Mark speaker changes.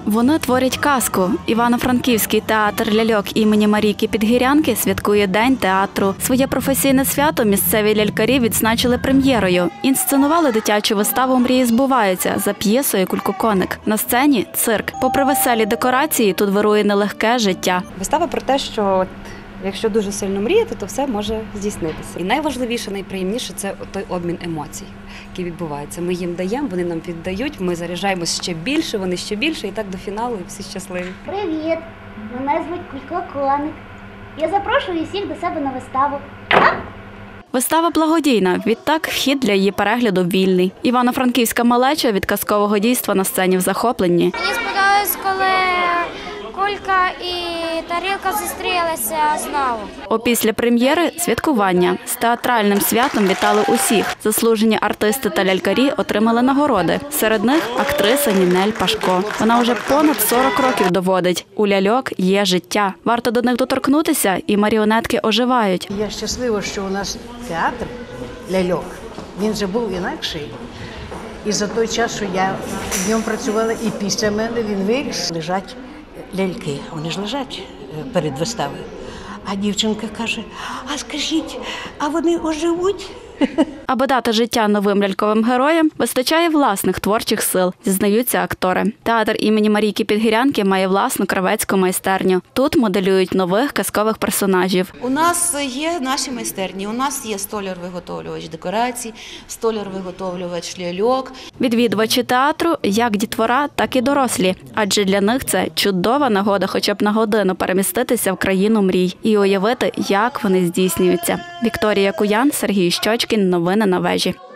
Speaker 1: Вони творять казку. Івано-Франківський театр ляльок імені Марійки Підгірянки святкує День театру. Своє професійне свято місцеві лялькарі відзначили прем'єрою. Інсценували дитячу виставу «Мрії збуваються» за п'єсою «Кулькоконик». На сцені – цирк. Попри веселі декорації, тут вирує нелегке життя.
Speaker 2: Вистава про те, що якщо дуже сильно мріяти, то все може здійснитися. І найважливіше, найприємніше – це той обмін емоцій, який відбувається. Ми їм даємо, вони нам віддають, ми заряджаємось ще більше, вони ще більше, і так до фіналу, і всі щасливі.
Speaker 3: Привіт! Мене звуть Кулькоконик. Я запрошую всіх до себе на виставу.
Speaker 1: Вистава благодійна, відтак вхід для її перегляду вільний. Івано-Франківська малеча від казкового дійства на сцені в захопленні.
Speaker 4: Мені сподобалось, коли кулька і тарілка зустрілися знову.
Speaker 1: Опісля прем'єри – святкування. З театральним святом вітали усіх. Заслужені артисти та лялькарі отримали нагороди. Серед них – актриса Нінель Пашко. Вона вже понад 40 років доводить – у ляльок є життя. Варто до них доторкнутися, і маріонетки оживають.
Speaker 5: Я щаслива, що у нас театр ляльок, він же був інакший. І за той час, що я в ньому працювала, і після мене він виріс. Лежать ляльки, вони ж лежать перед виставою. А дівчинка каже, а скажіть, а вони оживуть?
Speaker 1: Аби дати життя новим ляльковим героям, вистачає власних творчих сил, зізнаються актори. Театр імені Марійки Підгірянки має власну кравецьку майстерню. Тут моделюють нових казкових персонажів.
Speaker 6: У нас є наші майстерні, у нас є столяр-виготовлювач декорацій, столяр-виготовлювач ляльок.
Speaker 1: Відвідувачі театру як дітвора, так і дорослі, адже для них це чудова нагода хоча б на годину переміститися в країну мрій і уявити, як вони здійснюються. Вікторія Куян, Сергій Щочкін. Новини на вежі.